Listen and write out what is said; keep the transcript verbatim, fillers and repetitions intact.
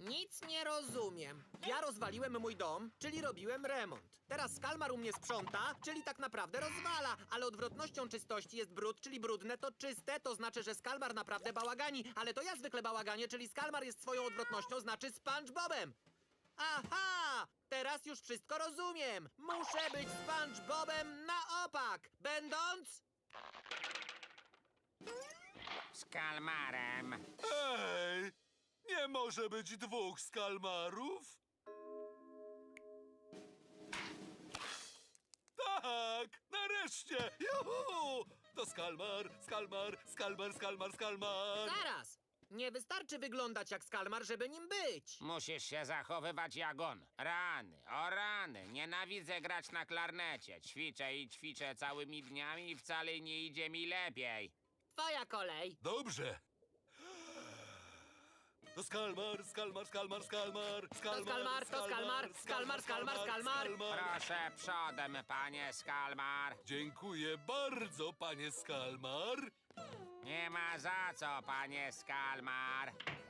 Nic nie rozumiem. Ja rozwaliłem mój dom, czyli robiłem remont. Teraz Skalmar u mnie sprząta, czyli tak naprawdę rozwala. Ale odwrotnością czystości jest brud, czyli brudne to czyste. To znaczy, że Skalmar naprawdę bałagani. Ale to ja zwykle bałaganie, czyli Skalmar jest swoją odwrotnością, znaczy SpongeBobem. Aha! Teraz już wszystko rozumiem. Muszę być SpongeBobem na opak, będąc... Z kalmarem. Ej! Nie może być dwóch skalmarów? Tak! Nareszcie! Juhu! To Skalmar, Skalmar, Skalmar, Skalmar, Skalmar! Zaraz! Nie wystarczy wyglądać jak Skalmar, żeby nim być. Musisz się zachowywać jak on. Rany, o rany. Nienawidzę grać na klarnecie. Ćwiczę i ćwiczę całymi dniami i wcale nie idzie mi lepiej. Twoja kolej. Dobrze! To Skalmar, Skalmar, Skalmar, Skalmar, Skalmar, Skalmar, to Skalmar, Skalmar, Skalmar, Skalmar. Proszę przodem, panie Skalmar. Dziękuję bardzo, panie Skalmar. Nie ma za co, panie Skalmar.